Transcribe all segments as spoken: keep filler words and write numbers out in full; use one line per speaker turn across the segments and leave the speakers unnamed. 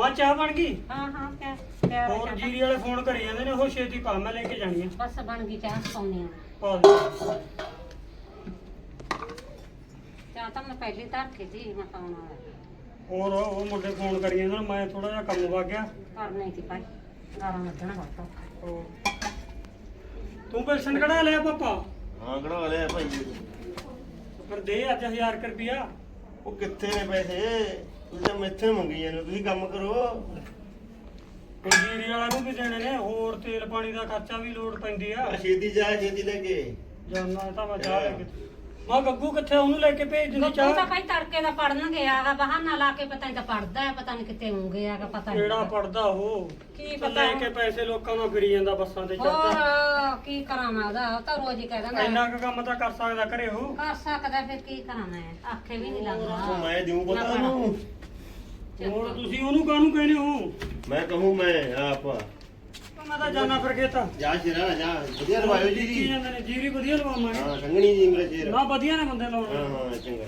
ਮਾਂ ਚਾਹ ਬਣ ਗਈ?
ਹਾਂ ਹਾਂ ਕਿਆ ਤਿਆਰ ਹੈ
ਹੋਰ
ਚਾਹ?
ਜੀਰੀ ਵਾਲੇ ਫੋਨ ਕਰੀ ਜਾਂਦੇ ਨੇ, ਉਹ ਛੇਤੀ ਪਾ, ਮੈਂ ਲੈ ਕੇ ਜਾਣੀ ਆ।
ਬਸ ਬਣ ਗਈ ਚਾਹ ਪਾਉਣੀ ਆ।
ਪਾ ਦੇ।
ਚਾਹ ਤਾਂ ਮੈਂ ਪਹਿਲੀ ਧਰ ਕੇ ਸੀ ਮੈਂ ਪਾਉਣ ਵਾਲਾ
ਹੋਰ ਉਹ ਮੁੰਡੇ ਫੋਨ ਕਰੀ ਜਾਂਦੇ ਨੇ, ਮੈਂ ਥੋੜਾ ਜਿਹਾ ਕੰਮ ਵਗ ਗਿਆ।
ਕਰਨਾ ਹੀ ਸੀ ਭਾਈ, ਗਾਲਾਂ ਕੱਢਣਾ ਬਹੁਤ
ਹੋਰ। ਤੂੰ ਪੈਨਸ਼ਨ ਕਢਾ ਲਿਆ ਪਾਪਾ?
ਹਾਂ ਕਢਾ ਲਿਆ ਭਾਈ।
ਫਿਰ ਦੇ ਅੱਜ ਹਜ਼ਾਰ ਕੁ ਰੁਪਿਆ।
ਉਹ ਕਿੱਥੇ ਨੇ ਪੈਸੇ? ਤੁਸੀਂ ਤਾਂ ਮੈਥੇ ਮੰਗੀ ਜਾਂਦੇ ਹੋ, ਤੁਸੀਂ ਕੰਮ ਕਰੋ।
ਉਹ ਜੀਰੀ ਵਾਲਿਆਂ ਨੂੰ ਵੀ ਦੇਣੇ ਨੇ, ਹੋਰ ਤੇਲ ਪਾਣੀ ਦਾ ਖਰਚਾ ਵੀ ਲੋੜ ਪੈਂਦੀ ਆ।
ਆ ਛੇਤੀ ਜਾ, ਛੇਤੀ ਲੈ ਕੇ
ਜਾਨਾ ਤਾਂ ਮੈਂ ਚਾਹ ਲੈ ਕੇ। ਮਾਂ ਗੱਗੂ ਕਿੱਥੇ, ਉਹਨੂੰ ਲੈ ਕੇ ਭੇਜ ਦਿੰਦੀ
ਉਹ
ਚਾਹ।
ਤਾਂ ਭਾਈ ਤੜਕੇ ਦਾ ਪੜਨ ਗਿਆ ਹੈਗਾ, ਬਹਾਨਾ ਲਾ ਕੇ ਪਤਾ ਨਹੀਂ ਤਾਂ ਪੜਦਾ ਹੈ, ਪਤਾ ਨਹੀਂ ਕਿੱਥੇ ਹੋਊਗੇ ਹੈਗਾ, ਪਤਾ ਨਹੀਂ
ਕਿਹੜਾ ਪੜਦਾ ਉਹ?
ਕੀ
ਤਾਂ
ਪਤਾ
ਲੈ ਕੇ ਪੈਸੇ ਲੋਕਾਂ ਨੂੰ ਫਿਰੀ ਜਾਂਦਾ ਬੱਸਾਂ ਤੇ ਚੜਦਾ।
ਹੋਰ ਕੀ ਕਰਾਂ ਮੈਂ ਉਹਦਾ, ਉਹ ਤਾਂ ਰੋਜ਼ ਹੀ ਕਹਿ ਦਿੰਦਾ
ਇੰਨਾ ਕੁ ਕੰਮ ਤਾਂ ਕਰ ਸਕਦਾ ਘਰੇ ਉਹ।
ਕਰ ਸਕਦਾ, ਫਿਰ ਕੀ ਕਰਾਂ ਮੈਂ, ਆਖੇ ਵੀ ਨਹੀਂ
ਉਹ
ਲੱਗਦਾ।
ਮੈਂ ਦਿਉ ਪਤਾ ਉਹਨੂੰ।
ਹੋਰ ਤੁਸੀਂ ਉਹਨੂੰ ਕਾਹਨੂੰ ਕਹਿੰਦੇ ਹੋ?
ਮੈਂ ਕਹੂੰ ਮੈਂ ਆਪ
ਮੈਂ ਤਾਂ ਜਾਣਾ ਫਿਰ ਖੇਤਾਂ।
ਜਾ ਸ਼ੇਰਾ ਜਾ, ਵਧੀਆ ਲਵਾਇਓ ਜੀ
ਕੀ
ਜੀ।
ਜਾਂਦੇ ਨੇ, ਜੀਰੀ ਵਧੀਆ ਲਵਾਵਾਂਗੇ।
ਹਾਂ ਸੰਗਣੀ ਜੀ ਮੇਰੇ ਸ਼ੇਰ।
ਨਾ ਵਧੀਆ ਨੇ ਬੰਦੇ ਲਾਉਣੇ।
ਹਾਂ ਹਾਂ ਚੰਗਾ।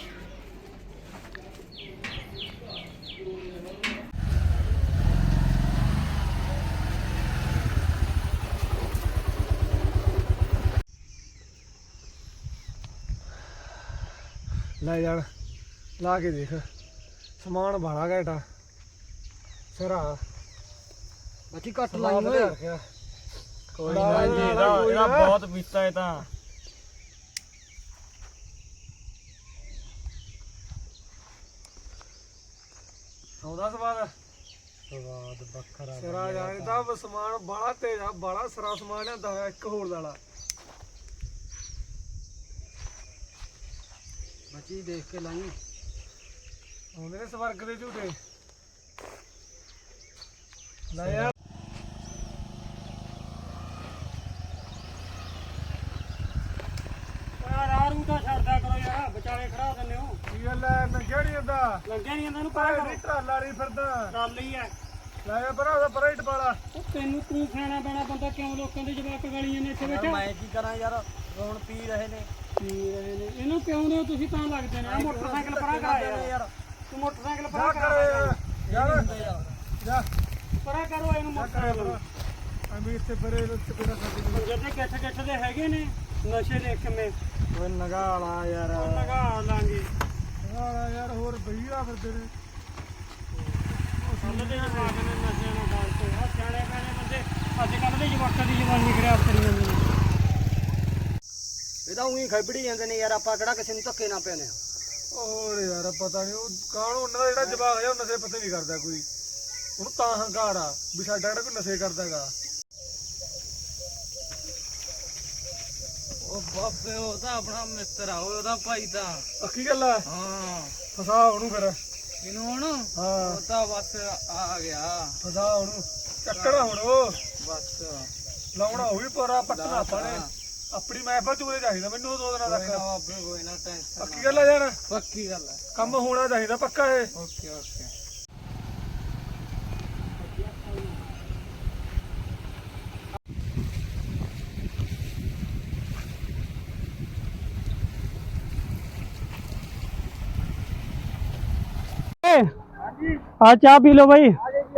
ਲੈ ਯਾਰ ਲਾ ਕੇ ਦੇਖ, ਸਮਾਨ ਬਾਲਾ ਘਟਾ ਸਰਾ ਬੱਚੀ ਘੱਟ ਲਾਈ ਓਏ।
ਕੋਈ ਨਾ ਜੀ, ਇਹਦਾ ਇਹਦਾ ਬਹੁਤ ਪੀਤਾ ਹੈ ਤਾਂ।
ਆਉਂਦਾ ਸਵਾਦ
ਸਵਾਦ ਬੱਖਰਾ
ਸਰਾ ਜਾਣੀ ਤਾਂ ਸਮਾਨ ਬਾਲਾ ਤੇਜ਼ ਆ, ਬਾਲਾ ਸਰਾ ਸਮਾਨ ਲਿਆਂਦਾ ਹੋਇਆ ਇੱਕ ਹੋਰ ਵਾਲਾ। ਬੱਚੀ ਦੇਖ ਕੇ ਲਾਈ, ਆਉਂਦੇ ਨੇ ਸਵਰਗ ਦੇ ਝੂਟੇ। ਲੈ ਯਾਰ
ਰਾਹ ਰੂ ਤਾਂ ਛੱਡਦਾ ਕਰੋ ਯਾਰ, ਵਿਚਾਲੇ ਖੜਾ ਦਿੰਦੇ ਹੋ।
ਕੀ ਗੱਲ ਐ, ਨੰਗਿਆ ਨੀ ਜਾਂਦਾ?
ਲੱਗਿਆ ਨਹੀਂ ਇਹਨਾਂ ਨੂੰ ਪਰਾਂ ਕਰੋ।
ਟਰਾਲਾ ਨਹੀਂ ਫਿਰਦਾ।
ਗੱਲ ਹੀ ਐ।
ਲੈ ਯਾਰ ਭਰਾ ਦਾ ਪਰਾ ਹੀ ਟਪਾਲਾ।
ਉਹ ਤੈਨੂੰ ਤੂੰ ਖਾਣਾ ਪੈਣਾ ਬੰਦਾ, ਕਿਉਂ ਲੋਕਾਂ ਦੇ ਜਵਾਕ ਗਾਲੀਆਂ ਨੇ ਇੱਥੇ ਬੈਠਾ?
ਮੈਂ ਕੀ ਕਰਾਂ ਯਾਰ, ਹੁਣ ਪੀ ਰਹੇ ਨੇ।
ਪੀ ਰਹੇ ਨੇ ਇਹਨੂੰ ਕਿਉਂ ਦੇ ਤੁਸੀਂ ਤਾਂ ਲੱਗਦੇ ਨੇ। ਆਹ ਮੋਟਰਸਾਈਕਲ ਪਰਾਂ ਕਰਾ ਯਾਰ, ਤੂੰ ਮੋਟਰਸਾਈਕਲ ਪਰਾਂ ਕਰਾ
ਯਾਰ ਜਾ
ਪਰਾਂ ਕਰੋ ਇਹਨੂੰ ਮੋਟਰਸਾਈਕਲ।
ਅਭੀ ਇੱਥੇ ਪਰੇ ਉੱਤੇ ਪੇੜਾ ਸਾਡੀ
ਜਿਹੜੇ ਗੱਠ ਗੱਠ ਦੇ ਹੈਗੇ ਨੇ ਨਸ਼ੇ ਦੇ ਕਿਵੇਂ
ਓਏ ਨਗਾਲਾ ਯਾਰ,
ਉਹ ਲਗਾ ਲਾਂਗੇ।
ਨਗਾਲਾ ਯਾਰ, ਹੋਰ ਬਈਆ ਫਿਰਦੇ ਨੇ।
ਸਮਝਦੇ ਨੇ ਮਾਰ ਨੇ ਨਸ਼ੇ ਨਾਲ ਗੱਲ ਤੇ। ਆ ਸਿਆਣੇ ਪੈਣੇ ਬੰਦੇ ਅੱਜ ਕੱਲ੍ਹ ਦੇ ਜਵਾਕਾਂ ਦੀ ਜਵਾਨੀ ਖਰਾਬ ਕਰੀ ਜਾਂਦੇ ਨੇ।
ਇਹ ਤਾਂ ਉਹੀ ਖੈਬੜੀ ਜਾਂਦੇ ਨੇ ਯਾਰ, ਆਪਾਂ ਕਿਹੜਾ ਕਿਸੇ ਨੂੰ ਧੱਕੇ ਨਾ ਪੈਣੇ। ਹੋਰ ਯਾਰ ਪਤਾ ਨਹੀਂ ਉਹ ਕਾਹਨੂੰ ਉਹਨਾਂ ਦਾ ਜਿਹੜਾ ਜਵਾਕ ਹੈ ਉਹ ਨਸ਼ੇ ਪੱਤੇ ਨਹੀਂ ਕਰਦਾ ਕੋਈ, ਉਹਨੂੰ ਤਾਂ ਹੰਕਾਰ ਆ ਵੀ ਸਾਡਾ ਕਿਹੜਾ ਕੋਈ ਨਸ਼ੇ ਕਰਦਾਗਾ।
ਉਹ ਬਾਬੇ ਉਹ ਤਾਂ ਆਪਣਾ ਮਿੱਤਰ ਆ, ਉਹਦਾ ਭਾਈ ਤਾਂ।
ਅੱਖੀ ਗੱਲ ਆ,
ਹਾਂ
ਫਸਾ ਉਹਨੂੰ ਫਿਰ।
ਇਹਨੂੰ ਹੁਣ
ਹਾਂ
ਉਹ ਤਾਂ ਬਸ ਆ ਗਿਆ,
ਫਸਾ ਉਹਨੂੰ, ਚੱਕਣਾ ਹੁਣ ਉਹ
ਬਸ
ਲਾਉਣਾ ਉਹ ਵੀ ਪਰਾ ਪੱਟਣਾ ਆਪਾਂ ਨੇ। ਆਪਣੀ ਮਹਿਫਲ ਚੂਰੇ ਚਾਹੀਦਾ ਮੈਨੂੰ ਦੋ ਦਿਨਾਂ
ਕੋਈ ਨਾ
ਤੱਕ।
ਬਾਬੇ, ਕੋਈ ਨਾ ਟੈਨਸ਼ਨ।
ਪੱਕੀ ਗੱਲ ਆ ਯਾਰ,
ਪੱਕੀ ਗੱਲ ਹੈ।
ਕੰਮ ਹੋਣਾ ਚਾਹੀਦਾ ਪੱਕਾ ਇਹ।
Okay okay.
ਆ ਚਾਹ ਪੀ ਲਓ ਬਾਈ।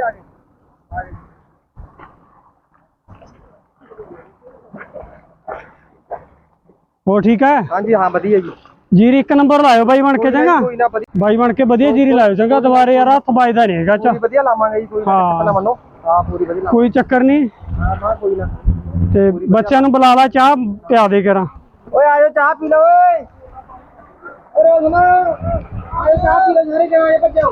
ਹੋ ਠੀਕ ਹੈ?
ਹਾਂਜੀ ਹਾਂ ਵਧੀਆ ਜੀ।
ਜੀਰੀ ਇੱਕ ਨੰਬਰ ਲਾਇਓ ਬਾਈ ਬਣ ਕੇ, ਚੰਗਾ ਬਾਈ ਬਣ ਕੇ ਵਧੀਆ ਜੀਰੀ ਲਾਇਓ, ਚੰਗਾ ਦੁਬਾਰੇ ਯਾਰ ਹੱਥ ਵੱਜਦਾ ਨਹੀਂ ਹੈਗਾ। ਚਾ
ਵਧੀਆ ਲਾਵਾਂਗੇ ਜੀ, ਕੋਈ
ਹਾਂ
ਮੰਨੋ। ਹਾਂ ਪੂਰੀ ਵਧੀਆ
ਕੋਈ ਚੱਕਰ ਨਹੀਂ।
ਹਾਂ ਹਾਂ ਕੋਈ ਨਾ।
ਤੇ ਬੱਚਿਆਂ ਨੂੰ ਬੁਲਾ ਲਾ, ਚਾਹ ਪਿਆ ਦੇ ਕਰਾਂ।
ਓਏ ਆਜੋ ਚਾਹ ਪੀ ਲਓ ਓਏ। ਓਏ ਸੁਣੋ, ਆਜੋ ਚਾਹ ਪੀ ਲਓ ਸਾਰੇ ਜਣੇ, ਭੱਜੋ।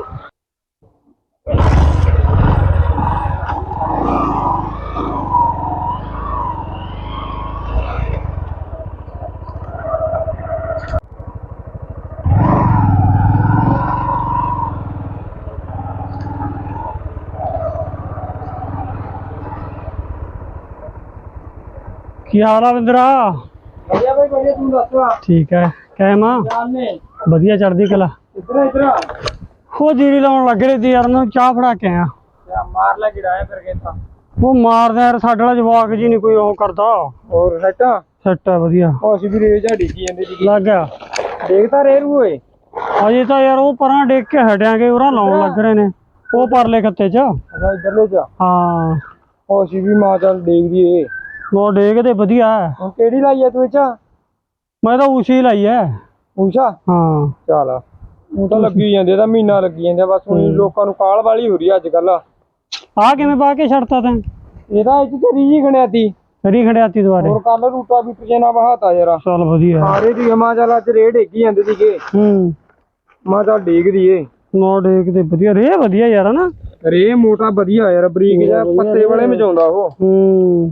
ਕੀ ਹਾਲ ਆ ਵਿੰਦਰਾ?
ਵਧੀਆ ਬਾਈ ਵਧੀਆ, ਤੂੰ ਦੱਸ।
ਠੀਕ ਹੈ, ਕਾਇਮ ਆ?
ਜਾਨੇ
ਵਧੀਆ ਚੜ੍ਹਦੀ ਕਲਾ।
ਇੱਧਰ ਇੱਧਰ
ਉਹ ਜੀਰੀ ਲਾਉਣ ਲੱਗ ਰਹੀ ਸੀ ਯਾਰ, ਉਹਨੂੰ ਚਾਹ ਫੜਾ ਕੇ ਆਇਆ।
ਮਾਰ ਲੈ ਗਿਰਾਇਆ ਫਿਰ ਕਿਤਾ।
ਉਹ ਮਾਰਦਾ ਯਾਰ, ਸਾਡੇ ਵਾਲਾ ਜਵਾਕ ਜੀ ਨਹੀਂ ਕੋਈ ਉਹ ਕਰਦਾ।
ਹੋਰ ਸੈਟਾ
ਸੈੱਟ ਹੈ ਵਧੀਆ।
ਉਹ ਅਸੀਂ ਵੀ ਰੇਜ ਢੀਕੀ ਜਾਂਦੇ ਸੀ।
ਲੱਗ ਗਿਆ
ਦੇਖਦਾ ਰੇ ਰੂ ਓਏ।
ਅਜੇ ਤਾਂ ਯਾਰ ਉਹ ਪਰਾਂ ਡੇਕ ਕੇ ਹਟਿਆਂਗੇ, ਉਹਨਾਂ ਲਾਉਣ ਲੱਗ ਰਹੇ ਨੇ। ਉਹ ਪਰਲੇ ਖੱਤੇ ਚ
ਅੱਛਾ ਇਧਰਲੇ ਚ
ਹਾਂ
ਉਹ ਅਸੀਂ ਵੀ ਮਾਂ ਚੱਲ ਦੇਖਦੀ ਏ
ਉਹ ਡੇਗਦੇ ਵਧੀਆ ਹੈ।
ਹੁਣ ਕਿਹੜੀ ਲਾਈ ਆ ਤੂੰ ਇਹ ਚ
ਮੈਂ ਤਾਂ ਉਸ਼ੀ ਲਾਈ ਐ
ਊਸ਼ਾ
ਹਾਂ
ਚੱਲ ਉਹ ਤਾਂ ਲੱਗੀ ਜਾਂਦੇ ਤਾਂ ਮਹੀਨਾ ਲੱਗੀ ਜਾਂਦੇ ਬਸ ਹੁਣ ਲੋਕਾਂ ਨੂੰ ਕਾਲ ਵਾਲੀ ਹੋ ਰਹੀ ਅੱਜ ਕੱਲ
ਆ ਕਿਵੇਂ ਪਾ ਕੇ ਛੱਡਤਾ ਤੈਂ
ਇਹਦਾ ਇਹ ਚ ਤੇਰੀ ਜੀ ਖਣਿਆਤੀ
ਫਰੀ ਖੜਿਆਤੀ ਦੁਆਰੇ
ਹੋਰ ਕੱਲ ਰੂਟਾ ਵੀ ਜੇ ਨਾ ਬਹਾਤਾ ਯਾਰ
ਚੱਲ ਵਧੀਆ
ਸਾਰੇ ਦੀ ਮਾਂ ਚੱਲ ਅੱਜ ਰੇਡ ਹੈਗੀ ਜਾਂਦੇ ਸੀਗੇ
ਹੂੰ
ਮਾਂ ਚੱਲ ਡੇਗਦੀ ਏ
ਨੋ ਡੇਗਦੇ ਵਧੀਆ ਰੇ ਵਧੀਆ ਯਾਰ ਨਾ
ਰੇ ਮੋਟਾ ਵਧੀਆ ਯਾਰ ਬਰੀਕ ਜਿਹਾ ਪੱਤੇ ਵਾਲੇ ਮਚਾਉਂਦਾ ਉਹ
ਹੂੰ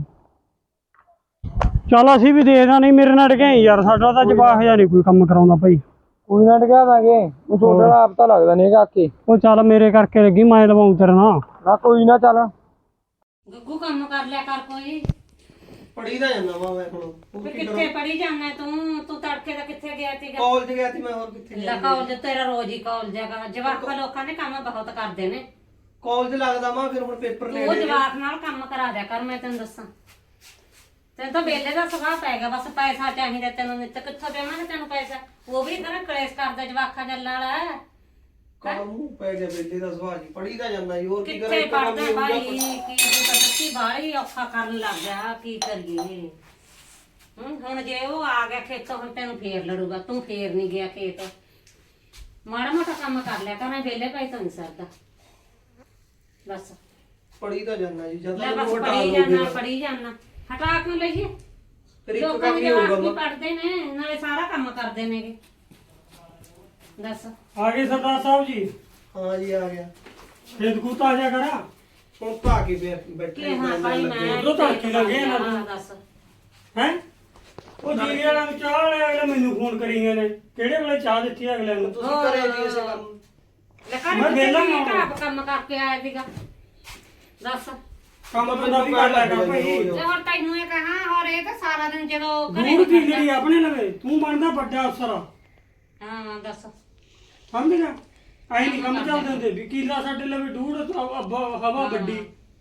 ਚੱਲ ਅਸੀਂ ਵੀ ਦੇਖਦਾ ਨਹੀਂ ਮੇਰੇ ਨਾਲ ਡਿਆ ਯਾਰ ਸਾਡਾ ਤਾਂ ਜਵਾਹ ਜਿਹਾ ਨਹੀਂ ਕੋਈ ਕੰਮ ਕਰਾਉਂਦਾ ਭਾਈ
ਕੋਈ ਨਾ ਟਕਾ ਦਾਂਗੇ ਉਹ ਛੋਟੇ ਵਾਲਾ ਆਪ ਤਾਂ ਲੱਗਦਾ ਨਹੀਂ ਕਾਕੇ
ਉਹ ਚੱਲ ਮੇਰੇ ਕਰਕੇ ਲੱਗੀ ਮੈਂ ਲਵਾਉਂ ਤੇਰੇ ਨਾਲ
ਨਾ ਕੋਈ ਨਾ ਚੱਲ
ਗੱਗੂ ਕੰਮ ਕਰ ਲਿਆ ਕਰ ਕੋਈ
ਪੜੀ ਦਾ ਜਾਂਦਾ ਵਾ ਮੈਂ ਹੁਣ
ਫਿਰ ਕਿੱਥੇ ਪੜੀ ਜਾਣਾ ਤੂੰ ਤੂੰ ਤੜਕੇ ਦਾ ਕਿੱਥੇ ਗਿਆ ਸੀਗਾ
ਕਾਲਜ ਗਿਆ ਸੀ ਮੈਂ ਹੋਰ ਕਿੱਥੇ
ਲਾ ਕਾਲਜ ਤੇਰਾ ਰੋਜ਼ ਹੀ ਕਾਲਜ ਹੈਗਾ ਜਵਾਕਾਂ ਲੋਕਾਂ ਨੇ ਕੰਮ ਬਹੁਤ ਕਰਦੇ ਨੇ
ਕਾਲਜ ਲੱਗਦਾ ਵਾ ਫਿਰ ਹੁਣ ਪੇਪਰ ਲੈ
ਤੂੰ ਜਵਾਕ ਨਾਲ ਕੰਮ ਕਰਾ ਦਿਆ ਕਰ ਮੈਂ ਤੈਨੂੰ ਦੱਸਾਂ ਤੈਨੂੰ ਤਾਂ ਵੇਲੇ ਦਾ ਸੁਭਾਅ ਪੈ ਗਿਆ ਬਸ ਪੈਸਾ ਚਾਹੀਦਾ ਤੈਨੂੰ ਨਿੱਤ ਕਿੱਥੋਂ ਦੇਵਾਂਗੇ ਤੈਨੂੰ ਪੈਸਾ ਉਹ ਵੀ ਕਰ ਕਲੇਸ਼ ਕਰਦਾ ਜਵਾਕਾਂ ਜੱਲਾਂ ਵਾਲਾ
ਕਾਹਨੂੰ ਪੈ ਗਿਆ ਬੇਟੇ ਦਾ ਸੁਭਾਅ ਜੀ ਪੜੀ ਦਾ ਜਾਂਦਾ ਜੀ ਹੋਰ ਕੀ ਕਰਾਂ
ਕਿੱਥੇ ਪੜਦਾ ਭਾਈ ਕੀ ਤੂੰ ਤਾਂ ਸੱਚੀ ਬਾਹਲੀ ਔਖਾ ਕਰਨ ਲੱਗ ਗਿਆ ਕੀ ਕਰੀਏ ਹੁਣ ਹੁਣ ਜੇ ਉਹ ਆ ਗਿਆ ਖੇਤੋਂ ਹੁਣ ਤੈਨੂੰ ਫੇਰ ਲੜੂਗਾ ਤੂੰ ਫੇਰ ਨਹੀਂ ਗਿਆ ਖੇਤ ਮਾੜਾ ਮੋਟਾ ਕੰਮ ਕਰ ਲਿਆ ਕਰ ਵੇਲੇ ਭਾਈ ਤਾਂ ਨਹੀਂ ਸਰਦਾ ਬਸ
ਪੜੀ ਦਾ ਜਾਂਦਾ ਜੀ ਜਦ
ਲੈ
ਤੱਕ
ਬਸ
ਉਹ ਹਟਾ
ਪੜੀ
ਲਓਗੇ
ਜਾਣਾ ਪੜੀ ਜਾਣਾ ਹਟਾ ਕਿਉਂ ਲਈਏ
ਫਿਰ ਇੱਕ
ਲੋਕਾਂ
ਕੰਮ
ਦੇ
ਹੀ ਹੋਊਗਾ
ਜਵਾਕ ਵੀ
ਵਾ।
ਪੜਦੇ ਨੇ ਨਾਲੇ ਸਾਰਾ ਕੰਮ ਕਰਦੇ ਨੇਗੇ ਦੱਸ
ਆ ਗਏ ਸਰਦਾਰ ਸਾਹਿਬ ਜੀ
ਹਾਂ ਜੀ ਆ ਗਿਆ
ਖੇਤ ਖੂਤ ਆ ਜਾ ਕਰਾ
ਹੁਣ ਪਾ ਕੇ ਫਿਰ ਬੈਠੇ
ਕਿ ਹਾਂ ਭਾਈ ਮੈਂ
ਉਦੋਂ ਤੜਕੇ ਲੱਗੇ ਨਾ
ਹਾਂ, ਦੱਸ
ਹੈ ਉਹ ਜੀਰੀ ਵਾਲਾ ਨੂੰ ਚਾਹ ਵਾਲੇ ਅਗਲੇ ਮੈਨੂੰ ਫੋਨ ਕਰੀ ਗਏ ਨੇ ਕਿਹੜੇ ਵੇਲੇ ਚਾਹ ਦਿੱਤੀ ਅਗਲੇ ਨੂੰ
ਤੁਸੀਂ ਕਰੇ ਜੀ ਇਸੇ ਕੰਮ
ਲੈ ਕਰ
ਮੈਂ ਵਿਹਲਾ
ਮੈਂ
ਨਾ
ਆਪ ਕੰਮ ਕਰਕੇ ਆਇਆ ਸੀਗਾ ਦੱਸ
ਕੰਮ ਬੰਦਾ ਵੀ ਕਰ ਲਿਆ ਕਰ ਭਾਈ
ਤੇ ਹੋਰ ਤੈਨੂੰ ਇਹ ਕਹਾਂ ਹੋਰ ਇਹ ਤਾਂ ਸਾਰਾ ਦਿਨ ਜਦੋਂ ਘਰੇ
ਦੂਰ ਕੀ ਜਿਹੜੀ ਆਪਣੇ ਲਵੇ ਤੂੰ ਬਣਦਾ ਵੱਡਾ ਅਫਸਰ
ਹਾਂ ਦੱਸ
ਸਮਝ ਗਿਆ ਆਈ ਨਹੀਂ ਕੰਮ ਚੱਲਦੇ ਹੁੰਦੇ ਵੀ ਕੀਲਾ ਸਾਡੇ ਲਵੇ ਡੂੜ ਹਵਾ ਗੱਡੀ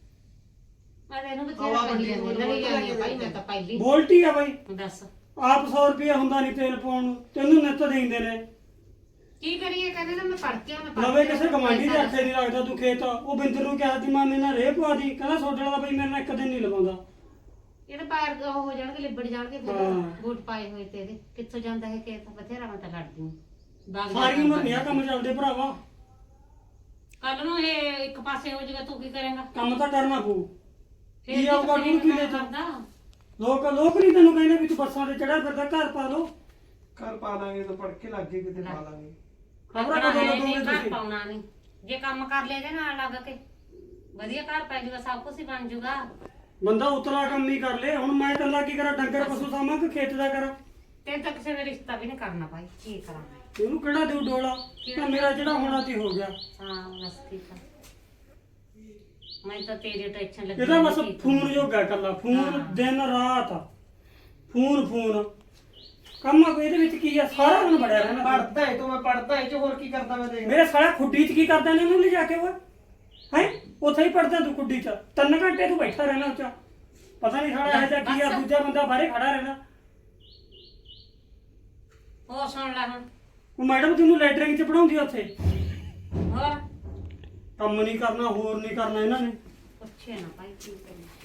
ਮੈਂ ਤੈਨੂੰ ਬਥੇਰਾ ਕਹੀ ਜਾਂਦੀ ਲੜੀ ਜਾਂਦੀ ਆ ਭਾਈ ਮੈਂ ਤਾਂ ਪਹਿਲੀ
ਬੋਲਟੀ ਆ ਬਾਈ
ਦੱਸ
ਆਪ ਸੌ ਰੁਪਇਆ ਹੁੰਦਾ ਨਹੀਂ ਤੇਲ ਪਾਉਣ ਨੂੰ ਤੈਨੂੰ ਨਿੱਤ ਦੇਂਦੇ ਨੇ
ਕੀ ਕਰੀਏ ਕਹਿੰਦੇ ਤਾਂ ਮੈਂ ਪੜ ਕੇ ਆ ਮੈਂ ਪੜ੍ਹ
ਲਵੇ
ਕੇ
ਕਿਸੇ
ਆਉਣਾ,
ਕਮਾਂਡੀ ਦੇ
ਪੈਸਾ
ਆਖੇ ਨਹੀਂ ਲੱਗਦਾ ਤੂੰ ਖੇਤ ਉਹ ਬਿੰਦਰ ਨੂੰ ਕਿਹਾ ਸੀ ਮਾਮੇ ਨਾਲ ਰੇਹ ਪਵਾ ਦੀ ਕਹਿੰਦਾ ਸੋਡੇ ਵਾਲਾ ਬਾਈ ਮੇਰੇ ਨਾਲ ਇੱਕ ਦਿਨ ਨਹੀਂ ਲਵਾਉਂਦਾ
ਇਹ ਤਾਂ ਪੈਰ ਉਹ ਹੋ ਜਾਣਗੇ ਲਿਬੜ ਜਾਣਗੇ ਫਿਰ
ਹਾਂ।
ਬੂਟ ਪਾਏ ਹੋਏ ਤੇ ਇਹਦੇ ਕਿੱਥੋਂ ਜਾਂਦਾ ਹੈ ਖੇਤ ਬਥੇਰਾ ਮੈਂ ਤਾਂ ਲੜਦੀ ਹਾਂ ਬਾਗ
ਸਾਰੀ ਉਮਰ ਨਹੀਂ ਆ ਕੰਮ ਚੱਲਦੇ ਭਰਾਵਾ
ਕੱਲ ਨੂੰ ਇਹ ਇੱਕ ਪਾਸੇ ਹੋ ਜਾਊਗਾ ਤੂੰ ਕੀ ਕਰੇਂਗਾ
ਕੰਮ ਤਾਂ ਕਰਨਾ ਪਊ
ਫਿਰ
ਕੀ
ਵੀ
ਆਊਗਾ
ਤੁਸੀਂ
ਤੂੰ ਕੀ ਲੈ
ਕਰਦਾ
ਲੋਕ ਲੋਕ ਨਹੀਂ ਤੈਨੂੰ ਕਹਿੰਦੇ ਵੀ ਤੂੰ ਬੱਸਾਂ ਤੇ ਚੜਿਆ ਫਿਰਦਾ ਘਰ ਪਾ ਲਓ
ਘਰ ਪਾ ਲਾਂਗੇ ਤਾਂ ਪੜ ਕੇ ਲੱਗ ਗਏ ਕਿਤੇ ਪਾ ਲਾਂਗੇ
ਖਬਰਾਂ
ਖਬਰਾਂ
ਕਦੋਂ
ਹੈ
ਲੱਗੋਗੇ
ਨਹੀਂ ਘਰ
ਤੁਸੀਂ
ਪਾਉਣਾ ਨਹੀਂ ਜੇ ਕੰਮ ਕਰ ਲਿਆ ਇਹਦੇ ਨਾਲ ਲੱਗ ਕੇ ਵਧੀਆ ਘਰ ਪੈ ਜਾਊਗਾ ਸਭ ਕੁਝ ਹੀ ਬਣ ਜਾਊਗਾ
ਬੰਦਾ ਉਤਲਾ ਕੰਮ ਹੀ ਕਰ ਲੇ ਹੁਣ ਮੈਂ ਇਕੱਲਾ ਕੀ ਕਰਾਂ ਡੰਗਰ ਪਸ਼ੂ ਸਾਂਭਾਂ ਕਿ ਖੇਤ ਦਾ ਕਰਾਂ
ਤੇ ਤਾਂ ਕਿਸੇ ਨੇ ਰਿਸ਼ਤਾ ਵੀ ਨਹੀਂ ਕਰਨਾ ਭਾਈ ਕੀ ਕਰਾਂ ਮੈਂ
ਇਹਨੂੰ ਕਿਹੜਾ ਦਿਉ ਡੋਲਾ ਤਾਂ ਮੇਰਾ ਜਿਹੜਾ ਹੋਣਾ ਸੀ ਹੋ ਗਿਆ
ਹਾਂ ਬਸ ਠੀਕ ਆ ਮੈਂ ਤਾਂ ਤੇਰੀ ਟੈਨਸ਼ਨ ਲੱਗੀ
ਇਹਦਾ ਬਸ
ਹੋਈ ਸੀ।
ਫੋਨ ਜੋਗਾ ਕੱਲਾ ਫੋਨ ਦਿਨ ਰਾਤ ਫੋਨ ਫੋਨ ਕੰਮ ਕੋਈ ਇਹਦੇ ਵਿੱਚ ਕੀ ਆ ਸਾਰਾ ਦਿਨ ਬੜਿਆ ਰਹਿਣਾ
ਪੜਦਾ ਹੈ ਤੂੰ ਮੈਂ ਪੜਦਾ ਹੈ ਚ ਹੋਰ ਕੀ ਕਰਦਾ ਮੈਂ ਦੇਖ
ਮੇਰੇ ਸਾਲਾ ਖੁੱਡੀ 'ਚ ਕੀ ਕਰਦਾ ਨੇ ਇਹਨੂੰ ਲਿਜਾ ਕੇ ਉਹ ਹੈ ਉੱਥੇ ਹੀ ਪੜਦਾ ਤੂੰ ਖੁੱਡੀ 'ਚ ਤਿੰਨ ਘੰਟੇ ਤੂੰ ਬੈਠਾ ਰਹਿਣਾ ਉੱਚਾ ਪਤਾ ਨਹੀਂ ਸਾਲਾ ਇਹ ਜਿਹਾ ਕੀ ਆ ਦੂਜਾ ਬੰਦਾ ਬਾਹਰੇ ਖੜਾ ਰਹਿਣਾ
ਹੋਰ ਸੁਣ ਲੈ ਹੁਣ
ਉਹ ਮੈਡਮ ਤੈਨੂੰ ਲੈਟਰਿੰਗ 'ਚ ਪੜਾਉਂਦੀ ਉੱਥੇ
ਹੋਰ
ਕੰਮ ਨਹੀਂ ਕਰਨਾ ਹੋਰ ਨਹੀਂ ਕਰਨਾ ਇਹਨਾਂ ਨੇ
ਪੁੱਛੇ ਨਾ ਭਾਈ ਕੀ ਕਰੀਏ